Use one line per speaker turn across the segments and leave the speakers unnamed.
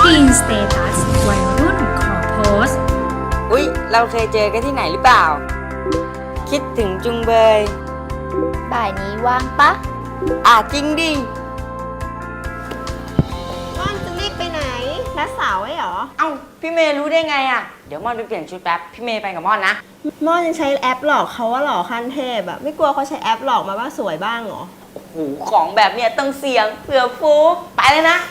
ซีนสเตตัสวัยรุ่นขอโพสต์
อุ๊ยเราเคยเจอกันที่ไหนหรือเปล่าคิดถึงจุงเบย
บ่ายนี้ว่างปะ
จริงดิ
ม่อนจะรีบไปไหนนัดสาวไว้เหรอ
เอ้าพี่เมย์รู้ได้ไงอะเดี๋ยวม่อนไปเปลี่ยนชุดแป๊บพี่เมย์ไปกับม่อนนะ
ม่อนยังใช้แอปหลอกเขาว่าหล่อขั้นเทพอะไม่กลัวเขาใช้แอปหลอกมาว่าสวยบ้างเหรอ
โอ้โหของแบบเนี้ยต้องเสียงเผื่อฟุกไปเลยนะ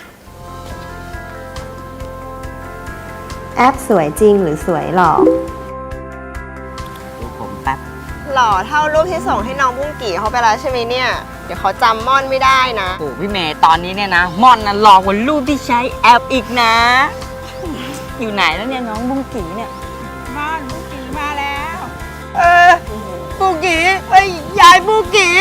แอปสวยจริงหรือสวยหลอก
ดูผมแป๊บ
หล่อเท่ารูปที่ส่งให้น้องบุ้งกี่เขาไปแล้วใช่ไหมเนี่ยเดี๋ยวเขาจำม่อนไม่ได้นะ
โอ้พี่เมย์ตอนนี้เนี่ยนะม่อนนะหลอกกว่ารูปที่ใช้แอปอีกนะอยู่ไหนแล้วเนี่ยน้องบุ้งกี่เนี่ย
ม่อนบุ้งกี่มาแล้วบุ้งกี่ยายบุ้งกี่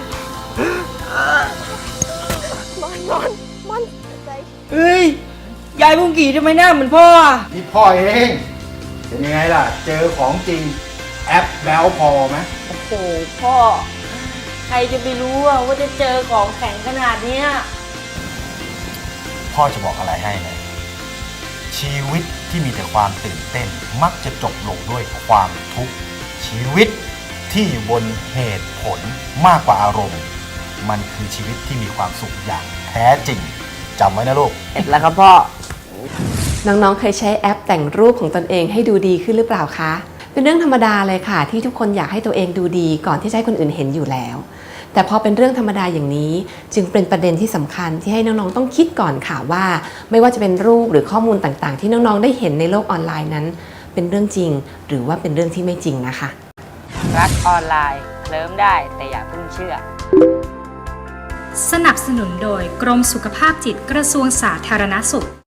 ม่อนใจ
เฮ้ยยายบุ้งกี่ทำไมหน้าเหมือนพ่ออ่ะ
นี่พ่อเองเป็นยังไงล่ะเจอของจริงแอปแล้วพอไหม
โอ้โหพ่อใครจะไปรู้ว่าจะเจอของแข็งขนาดเนี้ย
พ่อจะบอกอะไรให้นะชีวิตที่มีแต่ความตื่นเต้นมักจะจบลงด้วยความทุกข์ชีวิตที่อยู่บนเหตุผลมากกว่าอารมณ์มันคือชีวิตที่มีความสุขอย่างแท้จริงจำไว้นะลูก
เสร็จแล้วครับพ่อ
น้องๆเคยใช้แอปแต่งรูปของตนเองให้ดูดีขึ้นหรือเปล่าคะเป็นเรื่องธรรมดาเลยค่ะที่ทุกคนอยากให้ตัวเองดูดีก่อนที่จะให้คนอื่นเห็นอยู่แล้วแต่พอเป็นเรื่องธรรมดาอย่างนี้จึงเป็นประเด็นที่สำคัญที่ให้น้องๆต้องคิดก่อนค่ะว่าไม่ว่าจะเป็นรูปหรือข้อมูลต่างๆที่น้องๆได้เห็นในโลกออนไลน์นั้นเป็นเรื่องจริงหรือว่าเป็นเรื่องที่ไม่จริงนะคะ
รักออนไลน์เคลิ้มได้แต่อย่าเพิ่งเชื่อ
สนับสนุนโดยกรมสุขภาพจิตกระทรวงสาธารณสุข